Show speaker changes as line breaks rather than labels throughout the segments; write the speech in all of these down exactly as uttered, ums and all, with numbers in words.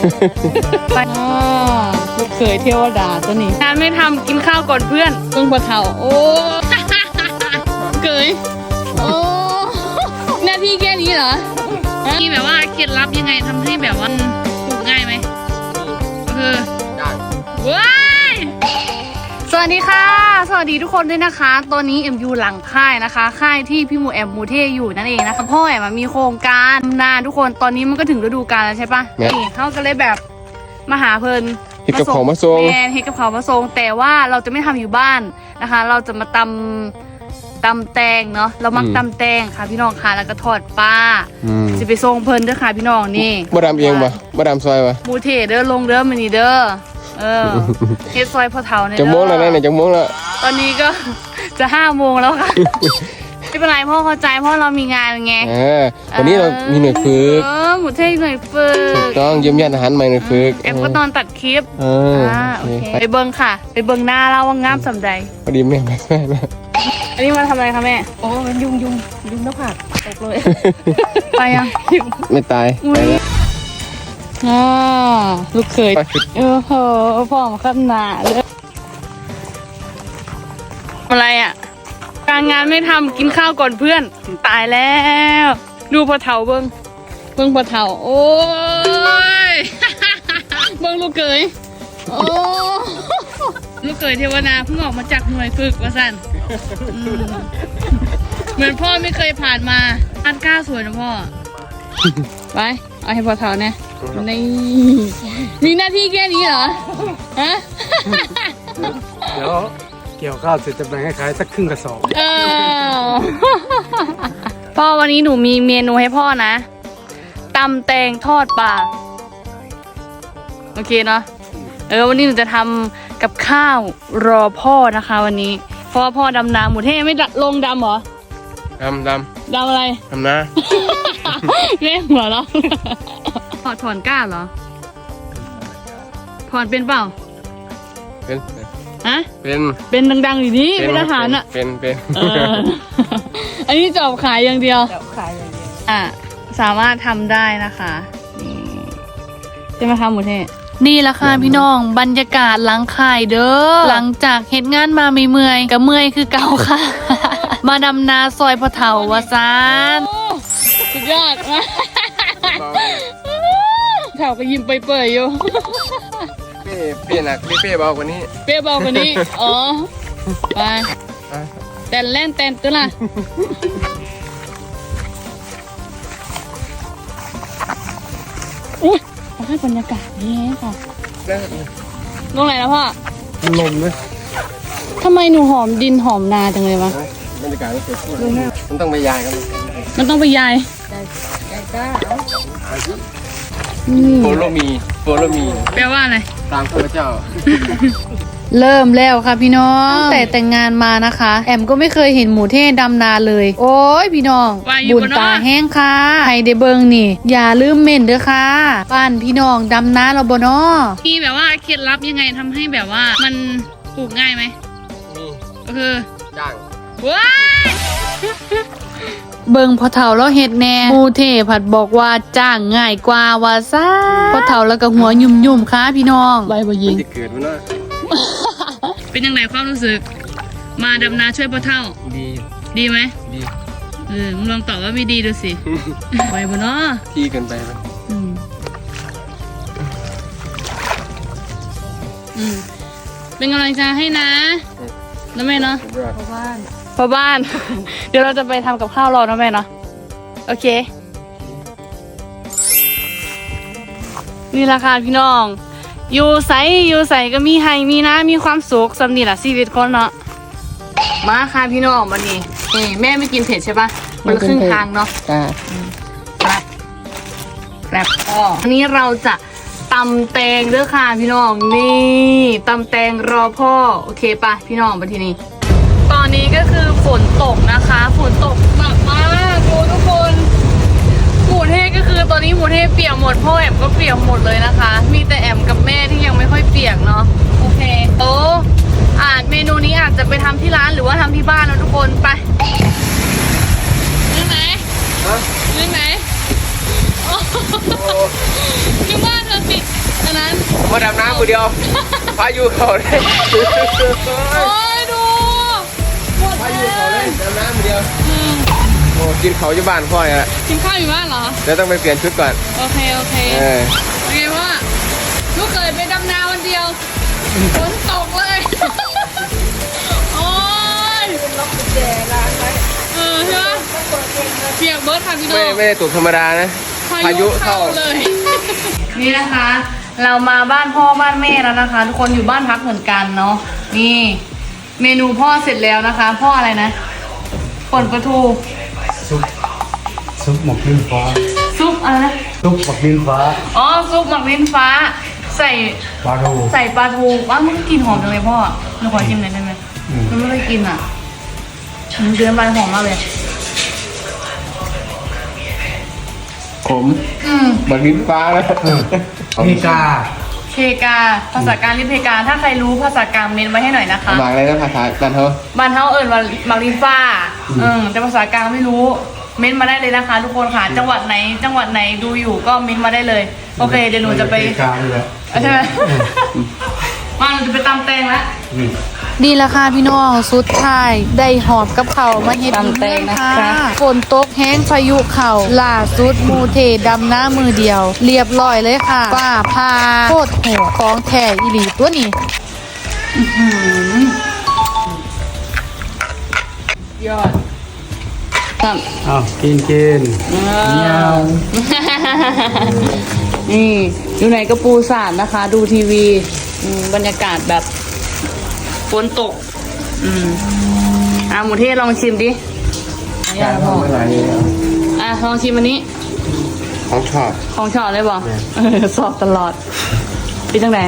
ไปลูกเขยเทวดาตัวนี้งานไม่ทำกินข้าวก่อนเพื่อนเพิ่งพอเท่าโอ้เขยโอ้หน้าที่แค่นี้เหรอมีแบบว่าเคล็ดลับยังไงทำให้แบบว่าปลูกง่ายไหมคือว้ายสวัสดีค่ะสวัสดีทุกคนด้วยนะคะตอนนี้เอ็มอยู่หลังค่ายนะคะค่ายที่พี่หมูแอมมูเทอยู่นั่นเองนะคะพ่อแอมมีโครงการนาทุกคนตอนนี้มันก็ถึงฤดูกาลแล้วใช่ปะนี่เขาก็เลยแบบมาหาเพลิน
เฮ็ดกับเขามาส่ง
แมนเฮ็ดกับเขามาส่งแต่ว่าเราจะไม่ทำอยู่บ้านนะคะ เราจะมาตำตำแตงเนาะเรามักตำแตงค่ะพี่น้องค่ะแล้วก็ทอดปลาจะไปส่งเพลินด้วยค่ะพี่น้องนี่
มาดามเองปะมาดามซอยปะ
มูเทเด้อลงเด้อมันนี่เด้อเออเฮ็ดซอยพ่อเฒ่าเนี่ย
จะโมงแล้วนะเนี่ยจะโมงแล้ว
ตอนนี้ก็จะห้าโมงแล้วค่ะไม่เป็นไรพ่อเข้าใจเพราะเรามีงานไง
เออวันนี้เรามีหน่วยฝึก
เออหมูเทหน่วยฝึก
ถูกต้องเยี่ยมญาติอาหารใหม่หน่วยฝึก
แอมก็ตอนตัดคลิป
เออ
โอเคไปเบิ้งค่ะไปเบิ้งหน้าเราว่างามสำใด
พอดีแม่ไม่ใช่นะ
อันนี้มาทำอะไรคะแม่โอ้มันยุงยุงยุงหน้าผากตกเลยไปยัง
ไม่ตายไปแล้ว
อ่าลูกเขยเออโหพ่อมาขั้นหนาเลยอะไรอ่ะการงานไม่ทำกินข้าวก่อนเพื่อนตายแล้วดูพ่อเฒ่าเบิ้งเบิ้งพ่อเฒ่าโอ้ยเบิ้งลูกเขยโอ้ลูกเขยเทวนาเพิ่งออกมาจากหน่วยฝึกว่าสั่นเหมือนพ่อไม่เคยผ่านมาอันกล้าสวยนะพ่อไปเอาให้พ่อเฒ่าเนี่ยนี่มีหน้าที่แค่นี้เหรอฮะ
เดี๋ยวเกี่ยวข้าวเสร็จจะแบ่งให้ขายสักครึ่งกระสอบ
เออพ่อวันนี้หนูมีเมนูให้พ่อนะตำแตงทอดปลาโอเคเนาะเออวันนี้หนูจะทำกับข้าวรอพ่อนะคะวันนี้เพราะพ่อดำนาหมูเท่ไม่ลงดำเหรอ
ดำด
ำดำอะไร
ดำนะ
เล่นหัวเราถอดถอนก้าเหรอถอนเป็นเปล่า
เป็น
ฮะ
เป็น
เป็นดังๆอยู่นี่เป็นทหารอ่ะ
เป็นเป็น
อันนี้จอบขายอย่างเดียวจอบขายอย่างเดียวอ่ะสามารถทำได้นะคะนี่จะมาทำหมูเทนี่ละค่ะพี่น้องบรรยากาศหลังค่ายเด้อหลังจากเฮ็ดงานมาไม่เมื่อยกับเมื่อยคือเก่าค่ะมาดำนาซอยพ่อเฒ่าวะซานสุดยอดมากเฒ่าก็ยิ้มเปื่อยๆอยู่
เป้เป้หนักเป้เป้เบากว่านี้
เป้เบากว่านี้อ๋อไปแตนเล่นแตนตัวละอุ้ยเอาให้บรรยากาศดีค่ะลงไหนแล้วพ่อ
ลมเลย
ทำไมหนูหอมดินหอมนาจังเลยวะ
บรรยากาศมันสวยมันต้องไปยายกัน
มันต้องไปยาย
โฟโลมีโฟโลมี
แปลว่าอะไร
ตามพระเจ้า
เริ่มแล้วค่ะพี่น้องแต่แต่งงานมานะคะแอมก็ไม่เคยเห็นหมูเท่ดำนาเลยโอ้ยพี่น้องบุญตาแห้งค่ะใครได้เบิ่งนี่อย่าลืมเม่นเด้อค่ะบ้านพี่น้องดำนาเราบ่น้อมีแบบว่าเคล็ดลับยังไงทำให้แบบว่ามันปลูกง่ายไหม
มี
ก็คือ
จ้าง
ว้ายเบิ่งพอเฒ่าแล้วเฮ็ดแน่หมูเทผัดบอกว่าจ้างง่ายกว่าว่าซ่าพอเฒ่าแล้วก็หัวยุ่มๆค่ะพี่น้องใบบ่ยิง
เกิดมันเนาะ
เป็นยังไงความรู้สึกมาดำนาช่วยพ่อเฒ่า
ดี
ดีไหม
ดี
เออมึงลองตอบว่าไม่ดีดูสิไหวบ่เนาะ
ที่เกินไปไหม
อืมอืมเป็นกำลังใจให้นะนะแม่เนาะพ่อบ้านพ่อบ้านเดี๋ยวเราจะไปทำกับข้าวรอนะแม่เนาะโอเคนี่ราคาพี่น้องอยู่ใสอยู่ใสก็มีให้มีนะมีความสุขสำนีแหละชีวิตคนเนาะมาค่ะพี่น้องวันนี้นี่แม่ไม่กินเผ็ดใช่ปะมันครึ่งทางเนาะ
จ้า
แซ่บแซ่บอ๋ออันนี้เราจะตำแตงเด้อค่ะพี่น้องนี่ตำแตงรอพ่อโอเคปะพี่น้องมาทีนี้ตอนนี้ก็คือฝนตกนะคะฝนตกหนักมากดูทุกคนหมูเทศก็คือตอนนี้หมูเทศเปียกหมดพ่อแอมก็เปียกหมดเลยนะคะมีแต่แอมกับแม่ที่ยังไม่ค่อยเปียกเนาะโอเคโอ้อาจเมนูนี้อาจจะไปทำที่ร้านหรือว่าทำที่บ้านนะทุกคนไปเรื่องไหนเรื่องไหนที่บ้านเราปิด
มาดำน้ำมือเดียวพายุเขาเลย
โอ้ยดูหมด
พา
แล้
ยุเขาเล
วย
ดำน้ำมือเดียว
อืม
โอ้กินเขาอยู่บ้านพ่อยอะ
กินข้าวอยู่บ้านเหรอ
เดี๋ยวต้องไปเปลี่ยนชุดก่อน
โอเคโอเค
เออ
เป็นไงว่าลูกเคยไปดำนาวันเดียวฝนตกเลย โอ้ยล็อกกุญแจร้านไว้เออใช่ไหมเปียกเบิร์ดค่ะพี่น้อง
ไม่ไม่ได้ตกธรรมดานะพายุเข้า
เลย นี่นะคะ เรามาบ้านพ่อบ้านแม่แล้วนะคะ ทุกคนอยู่บ้านพักเหมือนกันเนาะนี่ เมนูพ่อเสร็จแล้วนะคะ พ่ออะไรนะป่นปลาทู
ซุปซุปหมกลิ้นฟ้า
ซุปอะไรนะ
ซุปหมกลิ้นฟ้า
อ๋อซุปหมักลิ้นฟ้า ใส่
ปลาทู
ใส่ปลาทูว้าวมันก็กลินหอมจังเลยพ่อหนูขอชิมหน่อยได้ไหม
อืม
มันไม่เคยกินอ่ะมันเดือนใบหอมมากเลย
ผม
อืม
บักลิ้นฟ้าแล้ว
มีกา
เพกาภาษากลางเรียกเพกาถ้าใครรู้ภาษากลางเมนไว้ให้หน่อยนะคะ
หมากอะไรนะภาษาบ้านเขา
บ้านเฮาเอิญว่าหมักลิ้นฟ้าเออแต่ภาษากลางไม่รู้ เม้นมาได้เลยนะคะ ทุกคนค่ะ จังหวัดไหน จังหวัดไหนดูอยู่ก็เม้นมาได้เลย โอเคเดี๋ยวหนูจะไป
มีกาเลยแหละ
ใช่ไหมมาหนูจะไปตำแตงแล้ว
อืม
ดีละค่ะพี่น้องสุดท้ายได้หอบกับเขาวมาเฮ็ดอีกแล้วค่ะฝนตกแห้งพายุเข่าล่าสุดหมูเทดำหน้ามือเดียว เรียบร้อยเลยค่ะฟ้าพาโคตรโหดของแท้อีหลีตัวนี้
ยอดครับ
อ้าวกินกินเงี้ยว
นี่อยู่ไหนก็ปูสาดนะคะ ดูทีวีอืมบรรยากาศแบบฝนตก อืมอ่ะหมูเทศลองชิมดิอ่ะอย่าพอ
ไม่ไหลเลย
อ่ะลองชิมอันนี้
ของชอบ
ของชอบเลยบอกเออสอบตลอดปีตั้งไหน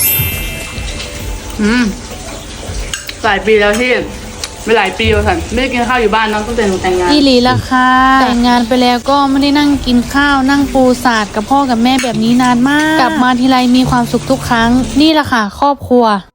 อืมหลายปีแล้วที่ไม่หลายปีแล้วค่ะไม่ได้กินข้าวอยู่บ้านเน้องตั้งแต่หนูแต่งงาน
อีหลีละค่ะแต่งงานไปแล้วก็ไม่ได้นั่งกินข้าวนั่งปูสาดกับพ่อกับแม่แบบนี้นานมาก กลับมาทีไรมีความสุขทุกครั้ง นี่ละค่ะ ครอบครัว